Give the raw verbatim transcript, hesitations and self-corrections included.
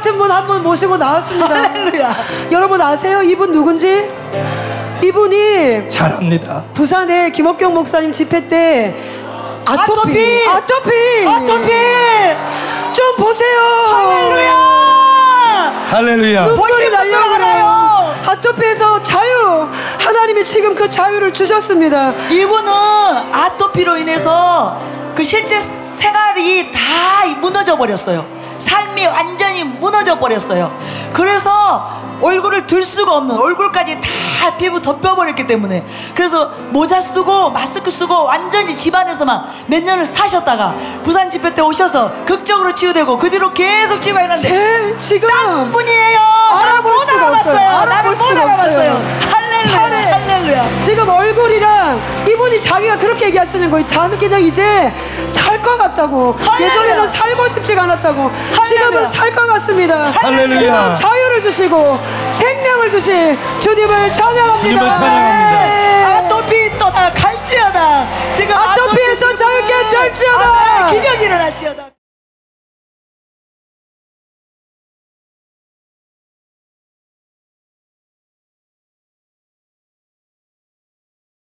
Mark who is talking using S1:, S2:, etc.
S1: 같은 분 한 분 모시고 나왔습니다.
S2: 할렐루야.
S1: 여러분 아세요? 이분 누군지? 이분이
S3: 잘합니다.
S1: 부산에 김옥경 목사님 집회 때 아토피 아토피
S2: 아토피, 아토피.
S1: 좀 보세요.
S2: 할렐루야.
S3: 할렐루야.
S1: 눈물이 날려고 그래요. 아토피에서 자유, 하나님이 지금 그 자유를 주셨습니다.
S2: 이분은 아토피로 인해서 그 실제 생활이 다 무너져 버렸어요. 삶이 완전히 무너져 버렸어요. 그래서 얼굴을 들 수가 없는, 얼굴까지 다 피부 덮여버렸기 때문에, 그래서 모자 쓰고 마스크 쓰고 완전히 집안에서만 몇 년을 사셨다가 부산 집회 때 오셔서 극적으로 치유되고 그 뒤로 계속 치유가 일어났는데
S1: 제 지금
S2: 딱 분이에요.
S1: 알아볼
S2: 못
S1: 수가 없어요.
S2: 알아봤어요.
S1: 알아볼
S2: 나를 못
S1: 수가
S2: 알아봤어요.
S1: 없어요.
S2: 할렐루야. 할렐루야.
S1: 지금 얼굴이랑 이분이 자기가 그렇게 얘기하시는 거예요. 자는 그냥 이제 살 것 같다고.
S2: 할렐루야.
S1: 예전에는 살고 싶지가 않았다고.
S2: 할렐루야.
S1: 지금은 살 것 같습니다.
S3: 할렐루야.
S1: 지금 자유를 주시고 생명을 주신 주님을 찬양합니다.
S3: 주님을 찬양합니다.
S1: 네.
S2: 아토피 떠나 갈지어다. 지금
S1: 아토피에서 자유케 될지어다.
S2: 기적이 일어날지어다.